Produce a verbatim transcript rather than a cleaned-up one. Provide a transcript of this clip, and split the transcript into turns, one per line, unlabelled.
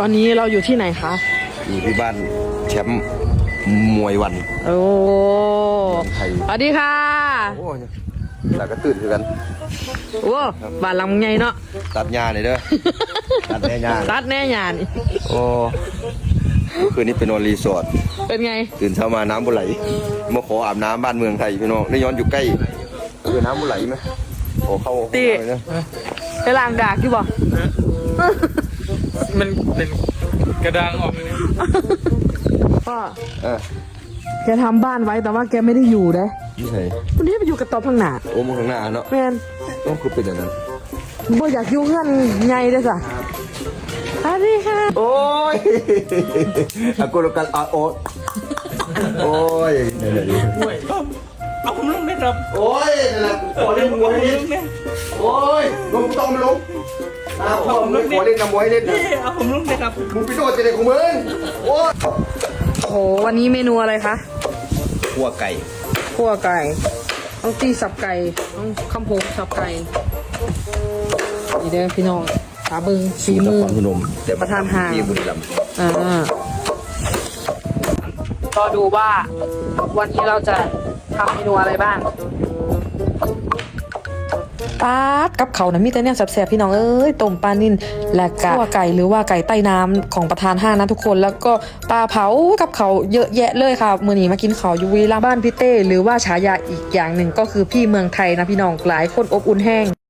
อนนี้เราอยู่ที่ไหนคะ
อยู่ที่บ้านแชมป์มวยวัน
โอ้
ไทย
สวัสดีค่ะ
โอ้ยแล้วก็ตื่นคือกัน
โอ้บ้านหลังใหญ่เนาะ
ตัดหญ้าหน่อยเด้อ ตัดแน่หญ้า
ตัดแน่ยาน
โอ้เมื่อคืนนี้ไปนอนรีสอร์ท
เป็นไง
ตื่นเช้ามาน้ำบุไหลมาขออาบน้ำบ้านเมืองไทยพี่น้องได้ย้อนอยู่ใกล้คือน้ำบุไหลไหมโอ้เข้า
ตี
เข้าเลยนะ
ไปล้างดากอยู่บ่
มันเป็นกระดังออกเลยนะ
พ่อ
เออ
แกทำบ้านไว้แต่ว่าแกไม่ได้อยู่เด้
นี่ไง
วันนี้ไปอยู่กับตอบพังหนา
โอ้มึงข้างหน้าเนาะ
แมน
ต้องคือเป็นอย่างนั้น
บ่อยากอยู่เงื่อนไงเด้อจ้ะสวัสดีค่ะ
โอ้ยอากูรกันอาโอโอ้ยไหนๆ
ด้วยเอาผมลงได้ครับ
โอ้ยนั่นแหละขอเล่นมวยให้เล่น
เนี่ย
โอ้ยลงต้องมาลงอ้าวพ่อมึงขอเล่นน้ำมวยให้เล่น
นี่เอาผมลงได้ครับ
มึงไปโดดจะได้ของมึงโอ้ย
โอ้โหวันนี้เมนูอะไรคะ
ขัวไก่
ขั่วไก่ต้องตีสับไก่ต้องคำโพงสับไก่นี่เด้อพี่น้องขาเบิงฝีมือ
พนมแต่
ประธานห้าง
ที่บุรีรัมย์
อ่าก็ดูว่าวันนี้เราจะทำเมนูอะไรบ้างปาดกับเขานะมีแต่เนี่ยแสบๆพี่น้องเอ้ยต้มปลานิ่นและกะขั่วไก่หรือว่าไก่ใต้น้ำของประธานห้างนะทุกคนแล้วก็ปลาเผากับเขาเยอะแยะเลยค่ะมื้อนี้มากินเขาอยู่วีรัมย์บ้านพี่เต้หรือว่าฉายาอีกอย่างหนึ่งก็คือพี่เมืองไทยนะพี่น้องหลายคนอบอุ่นแห้ง